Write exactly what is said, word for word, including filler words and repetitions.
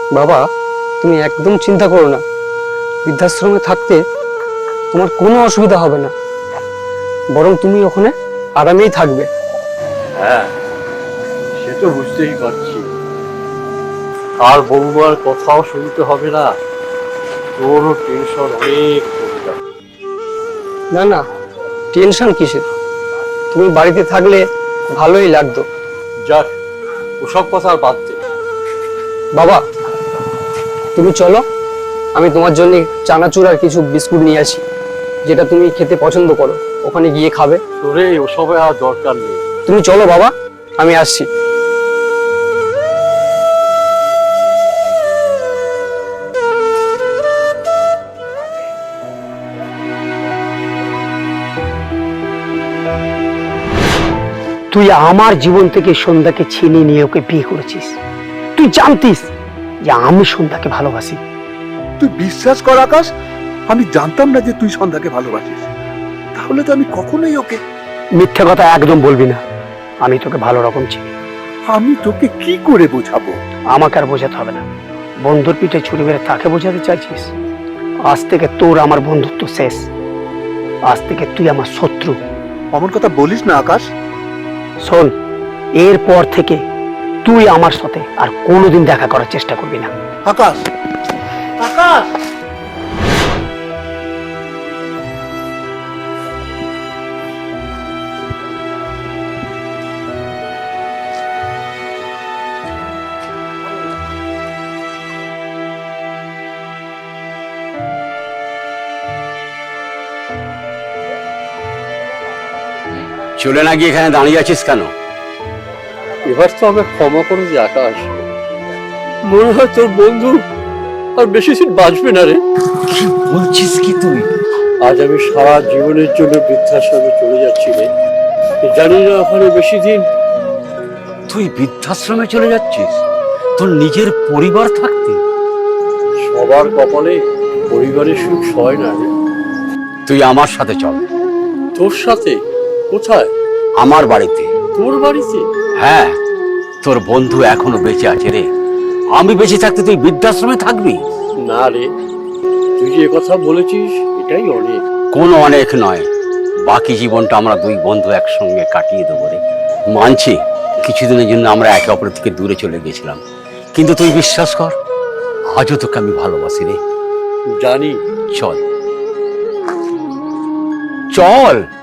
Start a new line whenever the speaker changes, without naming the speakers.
বাবা, তুমি একদম চিন্তা করো না। বৃদ্ধাশ্রমে থাকতে তোমার কোনো অসুবিধা হবে না, বরং তুমি ওখানে আরামেই থাকবে।
হ্যাঁ, সে তো বুঝতেই পারছি। আর বৌমার কথাও শুনতে হবে না, তোরও টেনশন অনেক কমে যাবে।
না না, টেনশন কিসের? তুমি বাড়িতে থাকলে ভালোই লাগতো।
যাক, ওসব কথা আর বাদ দে।
বাবা, তুমি চলো, আমি তোমার জন্য চানাচুর আর কিছু বিস্কুট নিয়ে আসি, যেটা তুমি খেতে পছন্দ করো। ওখানে গিয়ে খাবে।
তোরে ওসবে আর দরকার নেই।
তুমি চলো বাবা, আমি আসছি।
তুই আমার জীবন থেকে সন্ধ্যাকে ছিনিয়ে নিয়ে ওকে বিয়ে করেছিস। তুই জানতিস যে আমি সন্ধ্যাকে ভালোবাসি।
তুই বিশ্বাস কর আকাশ, আমি জানতাম না যে তুই সন্ধ্যাকে ভালোবাসিস। তাহলে তো আমি কখনোই ওকে।
মিথ্যে কথা একদম বলবি না, আমি তোকে ভালো রকম চিনি।
আমি তোকে কি করে বোঝাবো?
আমাকে আর বোঝাতে হবে না। বন্ধুর পিঠে ছুরি মেরে তাকে বোঝাতে চাইছিস? আজ থেকে তোর আমার বন্ধুত্ব শেষ। আজ থেকে তুই আমার শত্রু।
অমন কথা বলিস না আকাশ।
শোন, এরপর থেকে তুই আমার সাথে আর কোনোদিন দেখা করার চেষ্টা করবি না।
আকাশ, আকাশ,
চলে না গিয়ে এখানে দাঁড়িয়ে আছিস কেন?
এবার তো আমাকে ক্ষমা করে যে আকাশ, মনে হয় তোর বন্ধু আর বেশি দিন বাঁচবে না রে।
কি বলছিস কি তুই?
আজ আমি সারা জীবনের জন্য বৃদ্ধাশ্রমে চলে যাচ্ছি রে। জানি না ওখানে বেশি দিন।
তুই বৃদ্ধাশ্রমে চলে যাচ্ছিস তোর নিজের পরিবার থাকতে?
সবার কপালে পরিবারের সুখ হয় না রে।
তুই আমার সাথে চল।
তোর সাথে? কোথায়?
আমার বাড়িতে।
তোর বাড়িতে?
হ্যাঁ, তোর বন্ধু এখনো বেঁচে আছে রে। আমি বেঁচে থাকতে তুই বৃদ্ধাশ্রমে থাকবি?
না রে, তুই যে কথা বলেছিস এটাই অনেক।
কোনো অনেক নয়, বাকি জীবনটা আমরা দুই বন্ধু একসঙ্গে কাটিয়ে দেবো রে। মানছি কিছুদিনের জন্য আমরা একে অপরের থেকে দূরে চলে গেছিলাম, কিন্তু তুই বিশ্বাস কর, আজও তোকে আমি ভালোবাসি রে।
জানি।
চল চল।